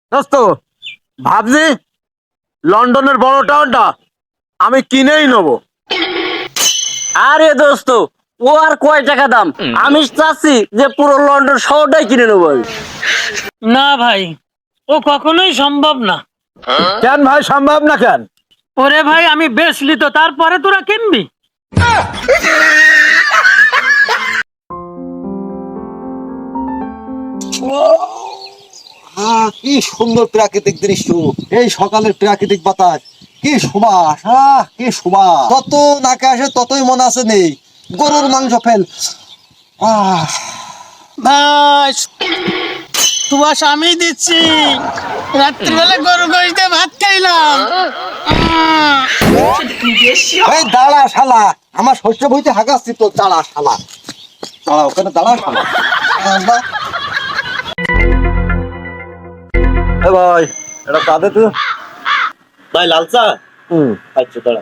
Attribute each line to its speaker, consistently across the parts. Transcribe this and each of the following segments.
Speaker 1: দোস্ত, ভাবছি লন্ডনের বড় টাউনটা আমি কিনেই নেবো।
Speaker 2: আরে দোস্ত, ও আর কয় টাকা দাম? আমি চাচ্ছি যে পুরো লন্ডন শহরটাই কিনে নেবো আমি।
Speaker 3: না ভাই, ও কখনোই সম্ভব না।
Speaker 1: কেন ভাই সম্ভব না কেন?
Speaker 3: ওরে ভাই, আমি বেচলি তো তারপরে তোরা কিনবি?
Speaker 4: কি সুন্দর প্রাকৃতিক দৃশ্য, এই সকালের প্রাকৃতিক বাতাস, কি সুবাস, কি সুবাস! যত নাকে আসে ততই মনে আছে নেই গরুর মাংস ফেল।
Speaker 3: ভাই, সুবাস আমি দিচ্ছি। রাত্রিবেলা গরু গোশ দিয়ে ভাত খাইলাম।
Speaker 4: এই দাঁড়া শালা, আমার শস্য বইতে হাগাচ্ছি তো, দাঁড়া শালা, দাঁড়া ওখানে, দাঁড়া শালা।
Speaker 1: ভাই এটা কাঁদে তো
Speaker 2: ভাই লাল চা? আচ্ছা দাঁড়া।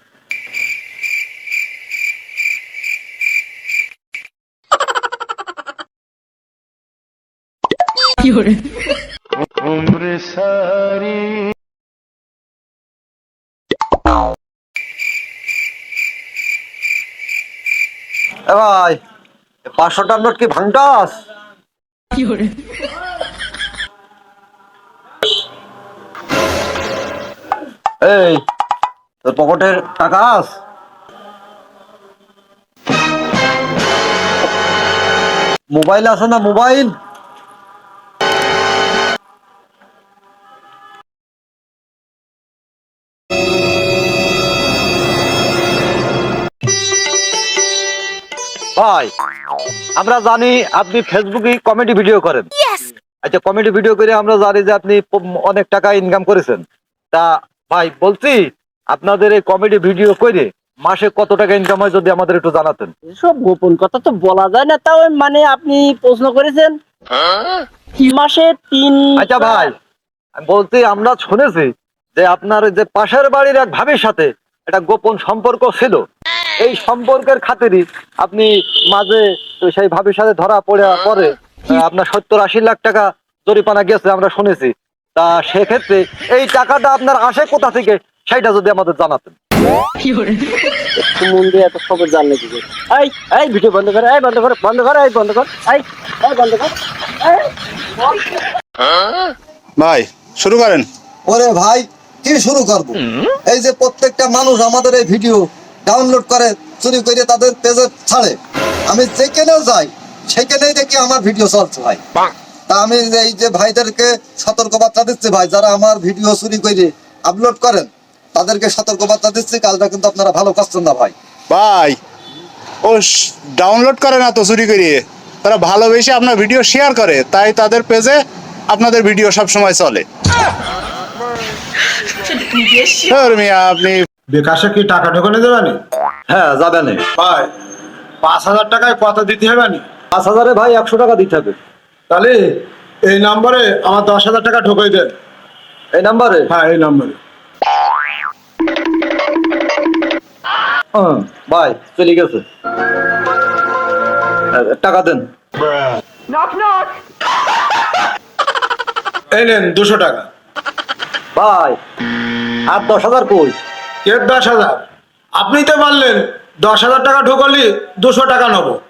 Speaker 1: ভাই 500টার নোট কি ভাঙটাস? এই তোর পকেটের টাকা আস? মোবাইল আছে না? মোবাইল ভাই, আমরা জানি আপনি ফেসবুকে কমেডি ভিডিও করেন। আচ্ছা, কমেডি ভিডিও করে আমরা জানি যে আপনি অনেক টাকা ইনকাম করেছেন। তা ভাই বলছি, আপনাদের এই কমেডি ভিডিও করে মাসে কত টাকা ইনকাম হয় যদি আমাদের একটু জানাতেন।
Speaker 2: সব গোপন কথা তো বলা যায় না, তাও মানে আপনি প্রশ্ন করেছেন। মাসে 3।
Speaker 1: আচ্ছা ভাই, আমি বলছি আমরা শুনেছি যে আপনার যে পাশের বাড়ির এক ভাবির সাথে একটা গোপন সম্পর্ক ছিল। এই সম্পর্কের খাতিরই আপনি মাঝে তো সেই ভাবির সাথে ধরা পরে আপনার 70-80 লাখ টাকা জরিমানা গেছে আমরা শুনেছি। তা সেক্ষেত্রে এই টাকাটা আপনার আসে কোথা থেকে সেটা যদি আমাদের জানাতেন।
Speaker 2: একটু মন দিয়ে এত খবর জানলে কি করে? এই এই ভিডিও বন্ধ কর, এই বন্ধ কর, বন্ধ কর, এই বন্ধ কর, এই এই বন্ধ কর, এই
Speaker 5: ভাই শুরু করেন।
Speaker 4: ওরে ভাই, কি শুরু করব? এই যে প্রত্যেকটা মানুষ আমাদের এই ভিডিও ডাউনলোড করে, চুরি করে তাদের পেজে ছাড়ে। আমি যেখানে যাই সেখানেই দেখি আমার ভিডিও চলছে ভাই। তা আমি এই যে ভাইদেরকে সতর্কবার্তা দিচ্ছি ভাই, যারা আমার ভিডিও চুরি করে আপলোড করেন তাদেরকে সতর্কবার্তা দিচ্ছি, কাজটা কিন্তু আপনারা ভালো করছেন না ভাই।
Speaker 5: ভাই ও ডাউনলোড করে না তো চুরি করিয়ে, তারা ভালোবেসে আপনার ভিডিও শেয়ার করে, তাই তাদের পেজে আপনাদের ভিডিও সব সময় চলে। মিয়া আপনি
Speaker 6: বিকাশে কি টাকা ঢোকানো দেবে নি?
Speaker 1: হ্যাঁ যাবে না
Speaker 6: ভাই 5,000 টাকায় কত দিতে হবে নি?
Speaker 1: 5,000-এ ভাই 100 টাকা দিতে হবে।
Speaker 6: তাহলে এই নম্বরে আমার 10,000 টাকা ঢোকাই দেন।
Speaker 1: এই নাম্বারে?
Speaker 6: হ্যাঁ এই নম্বরে।
Speaker 1: ভাই চলে গেছে, টাকা দেন।
Speaker 6: এই নেন 200 টাকা।
Speaker 1: ভাই আর 10,000 কই?
Speaker 6: কে 10,000? আপনি তো বললেন 10,000 টাকা ঢোকালি 200 টাকা নেবো।